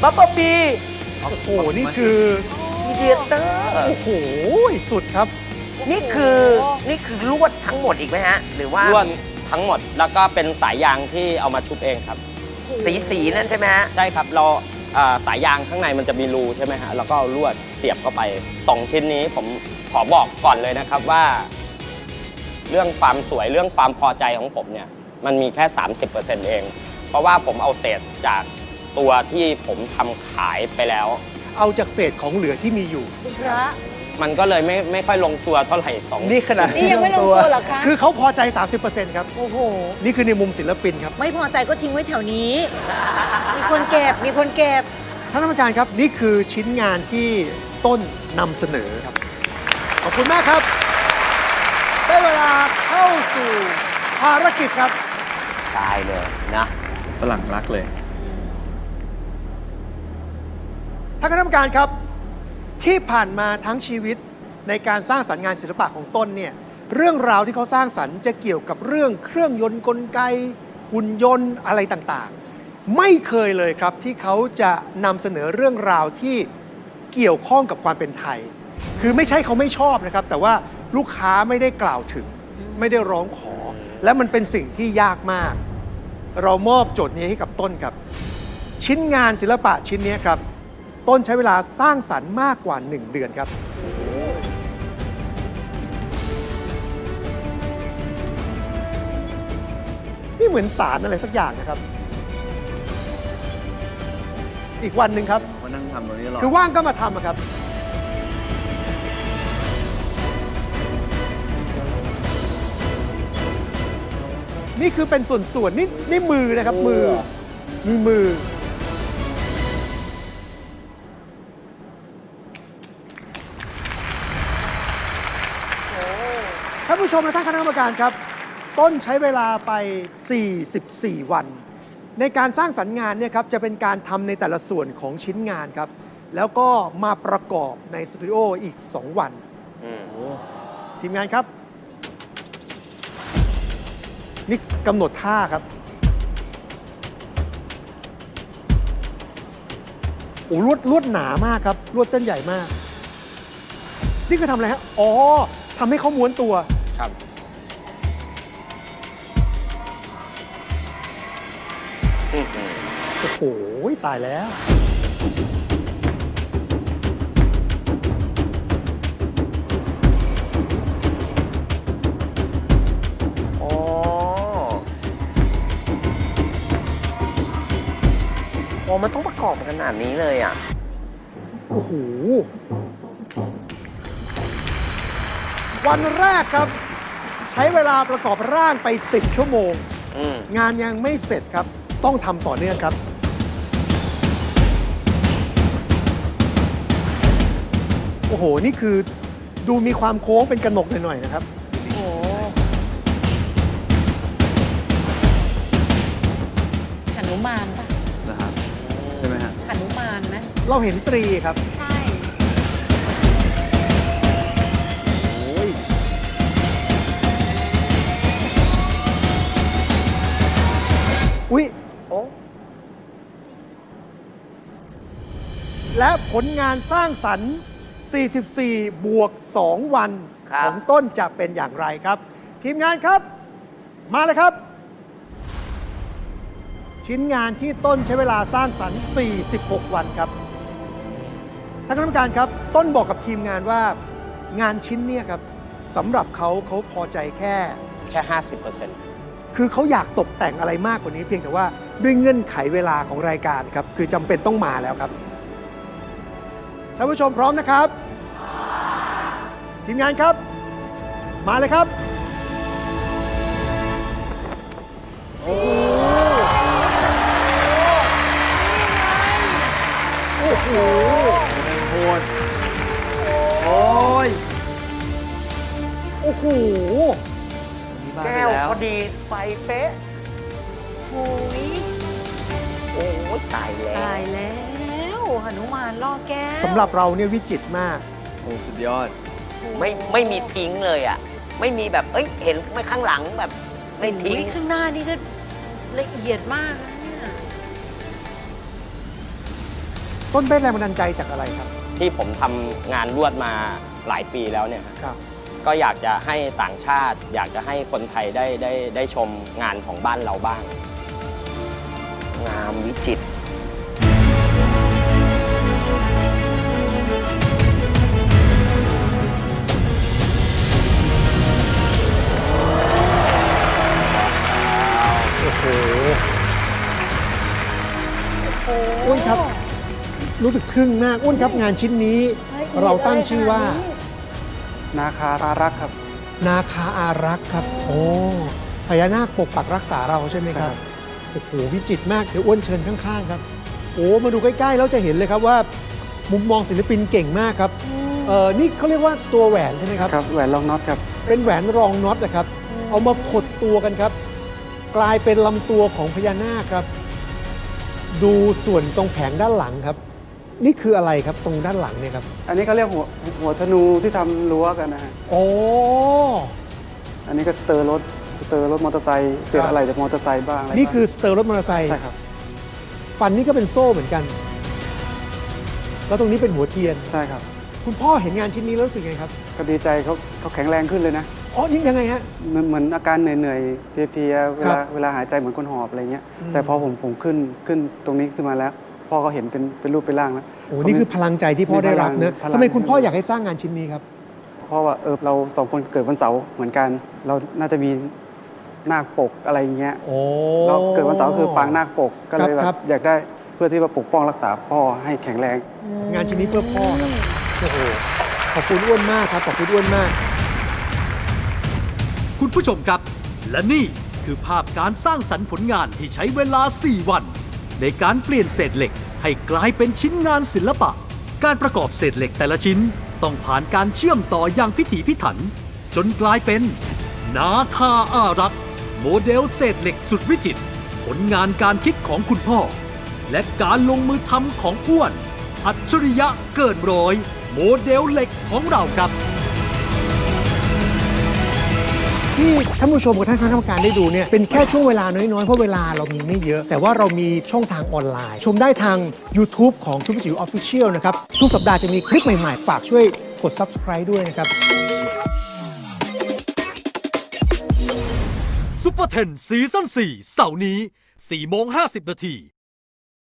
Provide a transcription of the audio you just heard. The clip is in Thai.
บับเบิ้ลบีโอ้โห นี่คือพีเดียเตอร์โอ้โห สุดครับนี่คือลวดทั้งหมดอีกไหมฮะ หรือว่าลวดทั้งหมดแล้วก็เป็นสายยางที่เอามาชุบเองครับสีนั่นใช่ไหมฮะใช่ครับเราสายยางข้างในมันจะมีรูใช่ไหมฮะแล้วก็เอาลวดเสียบเข้าไป 2 ชิ้นนี้ผมขอบอกก่อนเลยนะครับว่า เรื่องความสวยเรื่องความพอใจของผมเนี่ยมันมีแค่ 30% เอง เพราะว่าผมเอาเศษจากตัวที่ผมทำขายไปแล้วเอาจากเศษของเหลือที่มีอยู่คุณพระมันก็เลยไม่ค่อยลงตัวเท่าไหร่สองนี่ขนาดนี่ยังไม่ลงตัวเหรอคะคือเขาพอใจ 30%ครับโอ้โหนี่คือในมุมศิลปินครับไม่พอใจก็ทิ้งไว้แถวนี้ มีคนเก็บ มีคนเก็บท่านกรรมการครับ นี่คือชิ้นงานที่ต้นนำเสนอครับ ขอบคุณมากครับ ได้เวลาเข้าสู่ภารกิจครับตายเลยนะฝรั่งรักเลยท่านคณะกรรมการครับ ที่ผ่านมาทั้งชีวิตในการสร้างสรรค์งานศิลปะของต้นเนี่ยเรื่องราวที่เขาสร้างสรรค์จะเกี่ยวกับเรื่องเครื่องยนต์กลไก หุ่นยนต์อะไรต่างๆ ไม่เคยเลยครับที่เขาจะนำเสนอเรื่องราวที่เกี่ยวข้องกับความเป็นไทย คือไม่ใช่เขาไม่ชอบนะครับ แต่ว่าลูกค้าไม่ได้กล่าวถึง ไม่ได้ร้องขอ และมันเป็นสิ่งที่ยากมาก เรามอบโจทย์นี้ให้กับต้นครับ ชิ้นงานศิลปะชิ้นนี้ครับ ต้นใช้เวลาสร้างสรรค์มากกว่า 1 เดือนครับ นี่เหมือนสารอะไรสักอย่างนะครับ อีกวันหนึ่งครับมานั่งทำตรงนี้ตลอดคือว่างก็มาทำอะครับ นี่คือเป็นส่วนๆนี่มือนะครับ มือ ท่านผู้ชมและท่านคณะกรรมการครับ ต้นใช้เวลาไป 44 วัน ในการสร้างสรรค์งานเนี่ยครับจะเป็นการทำในแต่ละส่วนของชิ้นงานครับ แล้วก็มาประกอบในสตูดิโออีก 2 วัน ทีมงานครับ นี่กำหนดท่าครับโอ้ลวดหนามากครับ ลวดเส้นใหญ่มาก นี่คือทำอะไรฮะ อ๋อทำให้เขาม้วนตัวครับโอ้โห ตายแล้วอ๋อโอ้มันต้องประกอบขนาดนี้เลยอ่ะโอ้โห วันแรกครับ ใช้เวลาประกอบร่างไป 10 ชั่วโมง งานยังไม่เสร็จครับ ต้องทำต่อเนื่องครับ โอ้โห นี่คือดูมีความโค้งเป็นกระหนกหน่อยๆนะครับโอ้โหหนุมานปะนะครับ ใช่ไหมฮะหนุมานไหมเราเห็นตรีครับใช่อุ๊ยโอ้และผลงานสร้างสรรค์ 44 บวก 2 วันครับของต้นจะเป็นอย่างไรครับ ทีมงานครับ มาเลยครับ ชิ้นงานที่ต้นใช้เวลาสร้างสรรค์ 46 วันครับท่านคณะกรรมการครับ ต้นบอกกับทีมงานว่างานชิ้นเนี่ยครับสำหรับเขาพอใจแค่ 50% คือเขาอยากตกแต่งอะไรมากกว่านี้เพียงแต่ว่าด้วยเงื่อนไขเวลาของรายการครับ คือจำเป็นต้องมาแล้วครับท่านผู้ชมพร้อมนะครับ ทีมงานครับ มาเลยครับ โอ้โหโหดโอ้ยโอ้โหมีบ้านแก้ไปวแล้วพอดีไฟเป๊ะโอ้ยโอ้ยตายแล้วตายแล้วหนุมานล่อแก้วสำหรับเราเนี่ยวิจิตรมากโอ้สุดยอดไม่มีทิ้งเลยอ่ะ ไม่มีแบบ เอ้ย เห็นไม่ข้างหลังแบบ ไม่ทิ้งโอ้ยข้างหน้านี่ก็ละเอียดมากนะเนี่ยต้นได้แรงบันดาลใจจากอะไรครับที่ผมทำงานลวดมาหลายปีแล้วเนี่ยฮะครับก็อยากจะให้ต่างชาติ อยากจะให้คนไทยได้ชมงานของบ้านเราบ้างงามวิจิตรโอ้โหอ้วนครับ รู้สึกทึ่งมากอ้วนครับงานชิ้นนี้ เราตั้งชื่อว่านาคาอารักษ์ครับนาคาอารักษ์ครับ โอ้พญานาคปกปักรักษาเราใช่ไหมครับใช่ครับโอ้โหวิจิตรมากเดี๋ยวอ้วนเชิญข้างๆครับโอ้มาดูใกล้ๆแล้วจะเห็นเลยครับว่า มุมมองศิลปินเก่งมากครับนี่เขาเรียกว่าตัวแหวนใช่ไหมครับครับแหวนรองน็อตครับเป็นแหวนรองน็อตนะครับ เอามาขดตัวกันครับ กลายเป็นลำตัวของพญานาคครับ ดูส่วนตรงแผงด้านหลังครับ นี่คืออะไรครับตรงด้านหลังเนี่ยครับอันนี้เขาเรียกหัวธนูที่ทำรั้วกันนะฮะโอ้อันนี้ก็สเตอร์รถมอเตอร์ไซค์เศษอะไรจากมอเตอร์ไซค์บ้างอะไรนี่คือบ้างสเตอร์รถมอเตอร์ไซค์ใช่ครับฟันนี่ก็เป็นโซ่เหมือนกัน แล้วตรงนี้เป็นหัวเทียนใช่ครับคุณพ่อเห็นงานชิ้นนี้แล้วรู้สึกไงครับก็ดีใจเขาแข็งแรงขึ้นเลยนะอ๋อยังไงฮะเหมือนอาการเหนื่อยๆเพลียๆเวครัลาบเวลาหายใจเหมือนคนหอบอะไรเงี้ยอืมแต่พอผมขึ้นตรงนี้ขึ้นมาแล้ว พ่อก็เห็นเป็นรูปเป็นร่างแล้วโอ้นี่คือพลังใจที่พ่อได้รับนะพลังทำไมคุณพ่ออยากให้สร้างงานชิ้นนี้ครับเพราะว่าเราสองคนเกิดวันเสาร์เหมือนกัน เราน่าจะมีนาคปกอะไรอย่างเงี้ยโอ้เราเกิดวันเสาร์คือปางนาคปกก็เลยแบครับบอยากได้เพื่อที่ว่าปกป้องรักษาพ่อให้แข็งแรงงานชิ้นนี้เพื่อพ่อครับโอ้โหขอบคุณอ้วนมากครับขอบคุณอ้วนมากคุณผู้ชมครับ และนี่คือภาพการสร้างสรรค์ผลงานที่ใช้เวลา 4 วัน ในการเปลี่ยนเศษเหล็กให้กลายเป็นชิ้นงานศิลปะ การประกอบเศษเหล็กแต่ละชิ้นต้องผ่านการเชื่อมต่ออย่างพิถีพิถัน จนกลายเป็น นาคาอารักษ์โมเดลเศษเหล็กสุดวิจิตรผลงานการคิดของคุณพ่อ และการลงมือทำของอ้วน อัจฉริยะเกินร้อย โมเดลเหล็กของเราครับที่ท่านผู้ชมกับท่านคณะกรรมการได้ดูเนี่ยเป็นแค่ช่วงเวลาน้อยๆ เพราะเวลาเรามีไม่เยอะ แต่ว่าเรามีช่องทางออนไลน์ ชมได้ทาง YouTube ของทุกจิ๋วออฟฟิเชียลนะครับ ทุกสัปดาห์จะมีคลิปใหม่ๆ ฝากช่วยกด Subscribe ด้วยนะครับซุปเปอร์เทนซีซั่น4เสาร์นี้4:50 น.